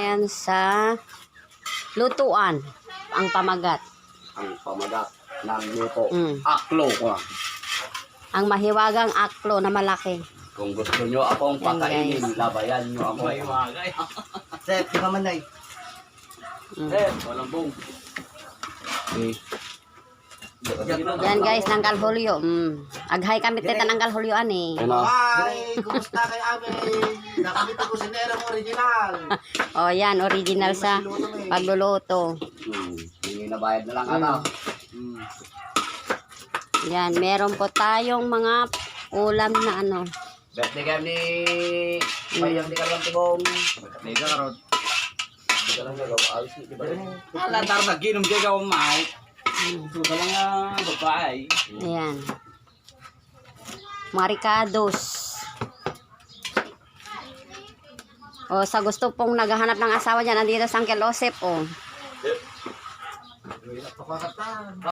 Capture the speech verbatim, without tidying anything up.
ngayon sa lutuan. Ang pamagat. Ang pamagat ng luto. Mm. Aklo ko. Ang mahiwagang aklo na malaki. Kung gusto nyo akong Yan, pakainin, guys. labayan nyo ako. Mahiwagay. Sep, di ba manay? Mm. Eh, walang bong. Eh. Yan guys, ng kalhulyo. Mm. Aghay kami tita ng kalhulyo ani. Ano? Hi! Kumusta kayo amin? Nakamit ako si Nerong original. O yan, original sa pagluluto. Hmm. Hindi na bayad na lang Mm. ata. Yan, meron po tayong mga ulam na ano. Birthday kayo ni... Bayang di ka lang tibong. May karot. Di ka lang gagawa. Ayos ni, di ba? Alatar na ginom kay ka umay. Suka lang ang babae. Ayan. Maricados. O, sa gusto pong naghahanap ng asawa dyan, andito sa Uncle Osep, o. Napakakatan.